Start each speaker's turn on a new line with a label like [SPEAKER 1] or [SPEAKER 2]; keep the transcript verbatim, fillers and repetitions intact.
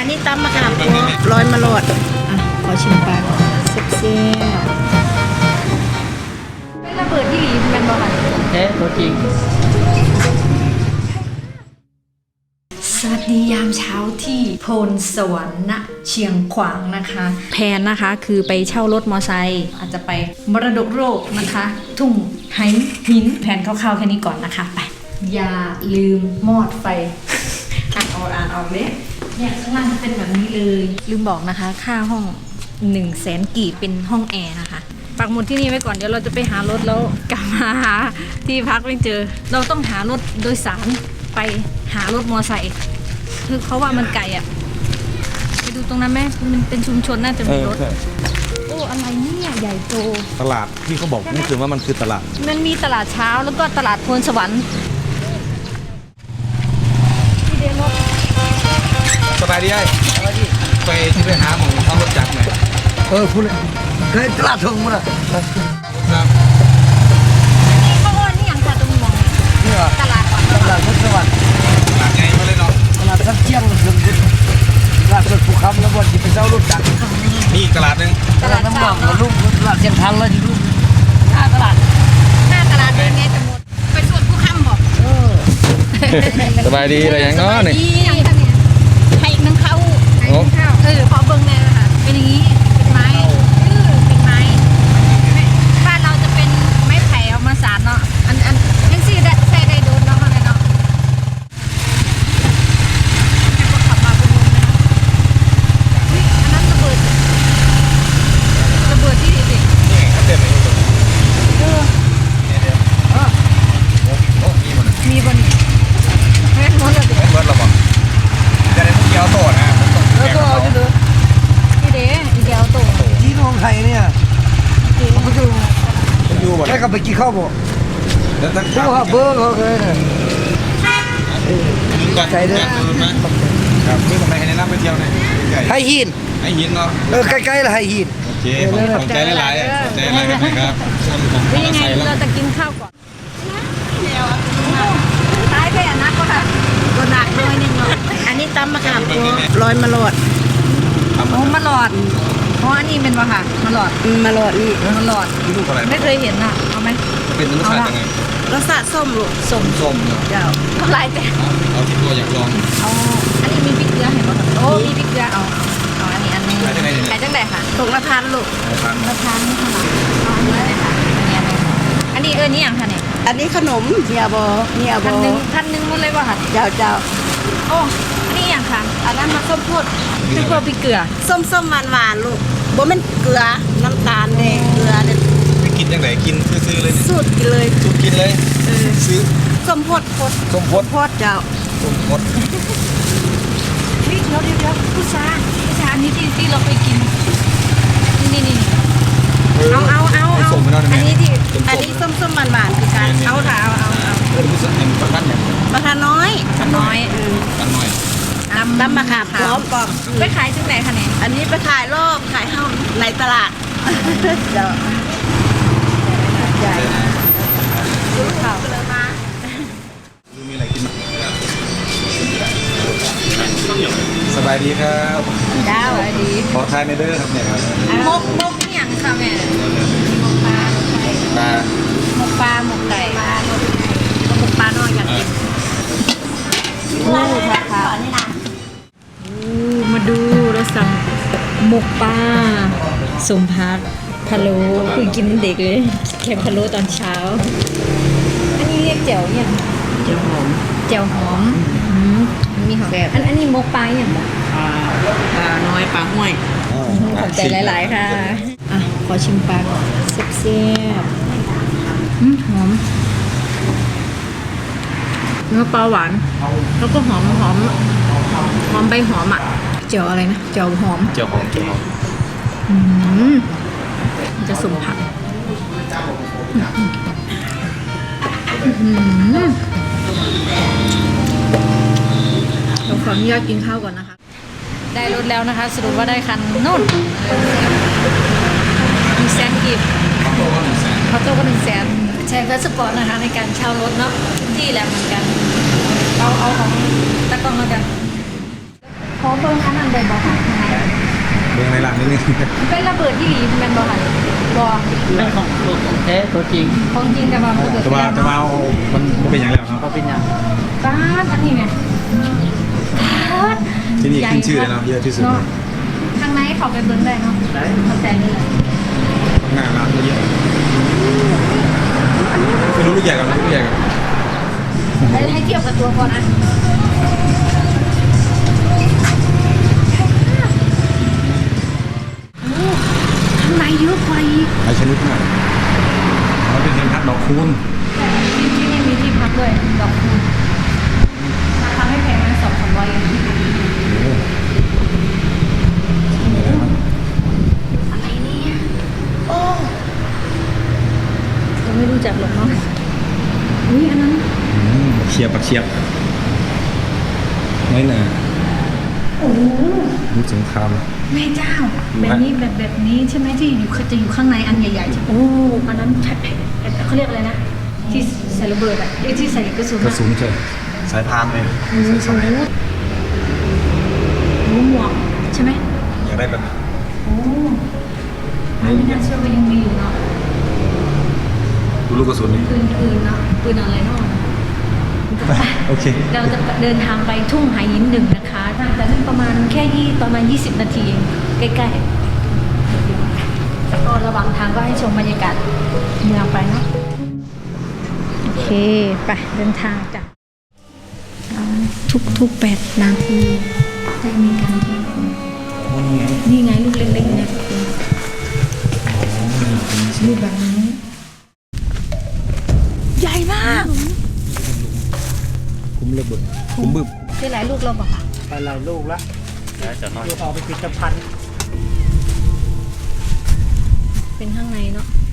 [SPEAKER 1] นี้ตำมะขามป้อร้อยมะโลดอ่ะขอชิมปลาเซ็กซี่เป็นระเบิดที่หลีเป็นบ่มัน
[SPEAKER 2] เอ๊ะตัวจริง
[SPEAKER 1] สวัสดียามเช้าที่โพนสวรรค์ณเชียงขวางนะคะแผนนะคะคือไปเช่ารถมอไซค์อาจจะไปมรดกโลกนะคะ ทุ่งไหหินแผนคร่าวๆแค่นี้ก่อนนะคะไปอย่าลืมมอดไฟ อ่านออกอ่านออกเลยเนี่ยข้างล่างเป็นแบบนี้เลยลืมบอกนะคะค่าห้องหนึ่งแสนกีบเป็นห้องแอร์นะคะปักหมุดที่นี่ไว้ก่อนเดี๋ยวเราจะไปหารถแล้วกลับมาหาที่พักไม่เจอเราต้องหารถโดยสารไปหารถมอไซค์คือเขาว่ามันไกลอ่ะไปดูตรงนั้นไหมมันเป็นชุมชนน่าจะมีรถโอ้อะไรเนี่ยใหญ่โต
[SPEAKER 3] ตลาดที่เขาบอกนี่คือว่ามันคือตลาด
[SPEAKER 1] มันมีตลาดเช้าแล้วก็ตลาดโพนสวรรค์
[SPEAKER 3] สบายดีไอ้ไปที่ไปหาหมองเขารถจักรไหม
[SPEAKER 2] เออพูดเลยเคยตลาดทงมั้งล่ะ
[SPEAKER 3] ครับ
[SPEAKER 1] เขาอ้อนนี่อย่างค่ะตรงมอง
[SPEAKER 2] นี่เหรอ
[SPEAKER 1] ตลาดก่อน
[SPEAKER 2] ตลาดพุทธสวัสดิ์
[SPEAKER 3] ตลาดไงมาเลยเนาะ
[SPEAKER 2] ตลาดสักเที่ยงเดือนพุธตลาดสดภูคำแล้ววันที่เป็นเจ้ารถจักร
[SPEAKER 3] นี่ตลาดนึง
[SPEAKER 2] ตลาดน้ำหนองลูกตลาดเชียงทางเลยที่ลูกหน้าตลาด
[SPEAKER 1] หน้าตลาดเป็นไงจะหมดไปส่วนผู้ค้ำบอกเออ
[SPEAKER 3] สบายดีอะไรอย่างเนาะนี่
[SPEAKER 1] ให้นึ่งข้าวให้นึ่งข้าวเออขอเบิ้งเลยนะคะเป็นอย่างนี้เป็นไม้เออเป็นไม้บ้านเราจะเป็นไม้ไผ่เอามาสานเนาะอันอันยังซี่ได้ใส่ได้โดนเนาะอะไรเนาะให้คนขับมาเป็นวงเลยนะอุ้ยอันนั้นระเบิดระเบิดที่ดิ
[SPEAKER 3] นี่ไงเขาเต็มเลย
[SPEAKER 1] เออ
[SPEAKER 3] เนี่ยเดี๋ยวอ๋อโอ้มีหมด
[SPEAKER 1] มีบนนี้เฮ้ยหมดเลยดิ
[SPEAKER 3] เบิร์ดเราบอกจะได้พวกเกี๊ยวโตนะ
[SPEAKER 2] แล้วก็เอาจะดู
[SPEAKER 1] นี่เด้อีเดียวโต
[SPEAKER 2] ที่น้องไทยเนี่ยเขาจะ
[SPEAKER 3] อยู่บ่
[SPEAKER 2] ได้กลับไปกินข้าวบ่
[SPEAKER 3] แล้วตั้ง
[SPEAKER 2] ผู้ว่าเบอร์เขาเลยเนี่ย
[SPEAKER 3] ใจเด้อครับนี่ผมไปให้แนะนำไปเที่ยวนะ
[SPEAKER 2] ไฮหิน
[SPEAKER 3] ไฮหินเนาะ
[SPEAKER 2] เออใกล้ๆละไฮหิน
[SPEAKER 3] โอเคผมใจหลายๆใจหลายๆครับ
[SPEAKER 1] เป็นยังไงเราจะกินข้าวก่อนตายไปอ่ะนักก็ค่ะก็หนักด้วยนึงเนาะอันนี้ตำมะขามป้อร้อยมะโลดโอ้มะหลอดเพราะอันนี้เป็นวะค่ะมะหลอดมะหลอดนี่มะหลอดไม่เคยเห็นอ่ะเอาไหม
[SPEAKER 3] เป็นรสชาติยังไง
[SPEAKER 1] รสชาติส้มลูกส้ม
[SPEAKER 3] ส้มเนาะ
[SPEAKER 1] เจ้าทำลายแต่
[SPEAKER 3] เอาที่ตัวอยากลอง
[SPEAKER 1] เอาอันนี้มีพริกเกลือเห็นป่ะโอ้มีพริกเกลือเอาเอาอันนี้อันนี้ขายจังไหนค่ะตกละพันลูกละพันนี่เท่าไหร่เอาอันนี้เลยค่ะอันนี้อันนี้เออนี่อย่างค่ะเนี่ย
[SPEAKER 4] อันนี้ขนมเนียบอเนียบอ
[SPEAKER 1] พันหนึ่งพันหนึ่งหมดเลยป่ะค่ะ
[SPEAKER 4] เจ้าเจ้า
[SPEAKER 1] โอ้อันนี้อย่างค่ะอันนั้นมาส้มโพดส้มโพดพริกเกลือ
[SPEAKER 4] ส้มส้มหวานหวานลูกบ่เป็นเกลือน้ำตาลแดงเกลือเนี่ย
[SPEAKER 3] กินยังไงกินซื้อเลย
[SPEAKER 4] สูตรกินเลย
[SPEAKER 3] สูตรกินเลยซื้อ
[SPEAKER 4] ส้มโพดโพด
[SPEAKER 3] ส้มโพด
[SPEAKER 4] โพดเจ้า
[SPEAKER 3] ส้มโพด
[SPEAKER 1] นี่เดี๋ยวเดี๋ยวเดี๋ยวผู้ชายผู้ชายอันนี้ที่ที่เราไปกินนี่นี่เอาเอาเอาเอาอันนี้ที่
[SPEAKER 4] อันนี้ส้มส้มหวานหวานคือการ
[SPEAKER 1] เอาค่ะเอาเอาเอา
[SPEAKER 3] เออผู้ชายเป็นประธานอย่าง
[SPEAKER 4] ประธานน้อย
[SPEAKER 1] ประธานน้อย
[SPEAKER 3] ประธานน้อย
[SPEAKER 4] ตำตำมะขามพร้อมกล่อง
[SPEAKER 1] ไปขายที่ไหนคะเนี่ย
[SPEAKER 4] อันนี้ไปขายรอบขายห้องในตลาดเจ้าใหญ่ดูข่าวเลยมา
[SPEAKER 3] ดูมีอะไรกินสบายดีครับ
[SPEAKER 1] ดาวสบายดี
[SPEAKER 3] ขอทานในเด้อครับเนี่ยครับ
[SPEAKER 1] มกมกนี่อย่างค่ะแม่มกปลา
[SPEAKER 3] ปลา
[SPEAKER 1] หมกปลาหมกไก่หมกปลาน้อยกันกินอู้ค่ะมาดูเราสั่งหมกปลาสมพักพะโล้คือกินเด็กเลยแค่พะโล้ตอนเช้าอันนี้เรียกแจ่วเนี่ย
[SPEAKER 2] เจียวหอม
[SPEAKER 1] แจ่วหอมมีหอมอันอันนี้หมกปลาอย่างแบบ
[SPEAKER 2] ปลาน้อยปลาห้วย
[SPEAKER 1] ขอบใจหลายๆค่ะอ่ะขอชิมปลาก่อนเสียบๆหอมเนื้อปลาหวานแล้วก็หอมหอมหอมใบหอมอ่ะเจียวอะไรนะเจียวหอม
[SPEAKER 3] เจียวหอมเจียวหอม
[SPEAKER 1] อืมจะสมผักเราขออนุญาตกินข้าวก่อนนะคะได้รถแล้วนะคะสรุปว่าได้คันนู่นมีแสนกีบเขาโต้ก็หนึ่งแสนใช้เฟสสปอร์ตนะคะในการเช่ารถเนาะที่แหลมเหมือนกันเอาเอาของตะกล้องแล้วกันขอเบิ่งอันนั้นได้บ่ค่ะข้างใน
[SPEAKER 3] เบื้องในหลังนิดนึง
[SPEAKER 1] เป็นระเบิดที่หลีแม่นบ่ค่ะบ่
[SPEAKER 2] เป็นของตัวของแท้ตัวจริง
[SPEAKER 1] ของจริงแต่ว่ามันเกิด
[SPEAKER 3] จะมาจะมาเอามันมันเป็นอย่างแล้วครับ
[SPEAKER 2] เขาเป็นยัง
[SPEAKER 1] ป้าดอันนี้ไงป้าด
[SPEAKER 3] ที่นี่ขึ้นชื่อเลยเนาะเยอะที่สุด
[SPEAKER 1] เนาะข้างในเขาไปเบิ่งได้เนาะ
[SPEAKER 2] ได้
[SPEAKER 1] เข้าใจเลย
[SPEAKER 3] ข้างหน้าร้านก็เยอะไม่รู้ลูกใหญ่กับลูกใหญ่กับ
[SPEAKER 1] ให้ให้เทียบกับตัวก่อนนะโอ้ข้างในเยอะกว่าอีก
[SPEAKER 3] หลายชนิดมากมันเป็นเทียนพัดดอกคูณ
[SPEAKER 1] ที่ที่นี่มีที่พักด้วยดอกคูณราคาไม่แพงนะสองสามร้อยเอง อะไรเนี่ยโอ้เราไม่รู้จักหรอกเนาะอุ้ยอันนั้น
[SPEAKER 3] อืมปักเชียบปักเชียบไม่น่า
[SPEAKER 1] โอ้โห
[SPEAKER 3] ยุคสงคราม
[SPEAKER 1] แม่เจ้า แบบนี้แบบแบบนี้ใช่ไหมที่อยู่จะอยู่ข้างในอันใหญ่ๆใช่ไหมโอ้อันนั้นใช่เขาเรียกอะไรนะ ที่ใส่ระเบิดอะไอ้ที่ใส่กระสุน
[SPEAKER 3] กระสุนเฉยสายพานเลย
[SPEAKER 1] โอ้โหโอ้โหหมวกใช่ไหม
[SPEAKER 3] อยากได้แบบ
[SPEAKER 1] โอ้อันนี้น่าเชื่อว่ายังมีอยู่เนาะ
[SPEAKER 3] ดูลูกกระสุนนี่
[SPEAKER 1] ปืนปืนเนาะปืนอะไรเนาะ
[SPEAKER 3] โอเค
[SPEAKER 1] เราจะเดินทางไปทุ่งหายินหนึ่งนะคะน่าจะนั่งประมาณแค่ยี่ประมาณ ยี่สิบ นาทีเองใกล้ๆแล้วก็ระหว่างทางก็ให้ชมบรรยากาศเมืองไปเนาะโอเคไปเดินทางจ้ะทุกทุกๆแปดนาทีจะมีการกินนี่ไงลูกเล็กๆเนี่ยลูกแบบนี้ใหญ่มาก
[SPEAKER 3] คุ้มระเบิดคุ้มบึ้บ
[SPEAKER 1] ได้หลายลูกแล้วบอกค่ะ
[SPEAKER 2] ไปหลายลูกละแล้วจะน้อยลูกออกไปติดจะพัน
[SPEAKER 1] เป็นข้างในเนาะ